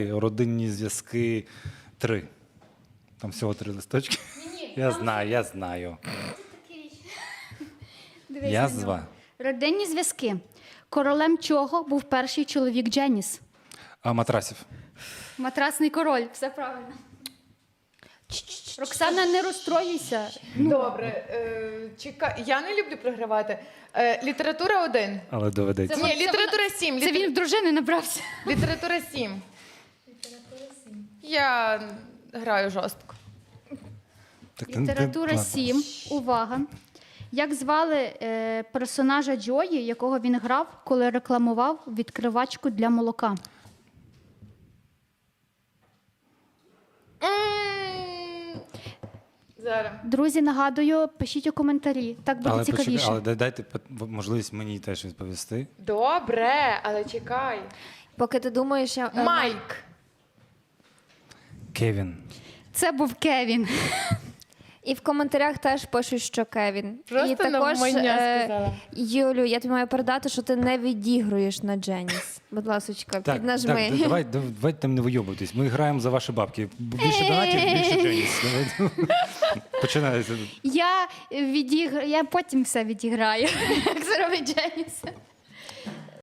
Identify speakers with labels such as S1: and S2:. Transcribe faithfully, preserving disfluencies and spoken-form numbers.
S1: Родинні зв'язки три. Там всього три листочки.
S2: Ні,
S1: Я
S2: там
S1: знаю, я знаю.
S2: Дивись
S1: Я
S2: на нього.
S1: зва.
S2: Родинні зв'язки. Королем чого був перший чоловік Дженіс?
S1: А матрасів.
S2: Матрасний король, все правильно. Роксана, не розстроюйся.
S3: Добре, е, чекай. Я не люблю програвати. Е, література один.
S1: Але доведеться.
S3: Ні, література сім.
S2: Це він в дружини набрався.
S3: Література сім. Я граю жорстко.
S1: Так, ти- ти-
S2: Література
S1: ладно.
S2: сім. Увага. Як звали е, персонажа Джої, якого він грав, коли рекламував відкривачку для молока?
S3: М, Зараз.
S2: Друзі, нагадую, пишіть у коментарі. Так буде
S1: Але,
S2: цікавіше.
S1: почекай, але дай- дайте пот- можливість мені теж відповісти.
S3: Добре, але чекай.
S4: Поки ти думаєш, я... е,
S3: Майк.
S1: Кевін.
S2: Це був Кевін.
S4: І в коментарях теж пишуть, що Кевін.
S3: Просто
S4: і також,
S3: навмання
S4: е,
S3: сказала.
S4: Юлю, я тобі маю передати, що ти не відігруєш на Дженіс. Будь ласочка,
S1: Так,
S4: піднажми.
S1: так, да- давай, дав- давайте там не вийобуйтесь. Ми граємо за ваші бабки. Більше донатів, більше Дженіс. Починається.
S2: Я відігр... я потім все відіграю, як зробить Дженіс.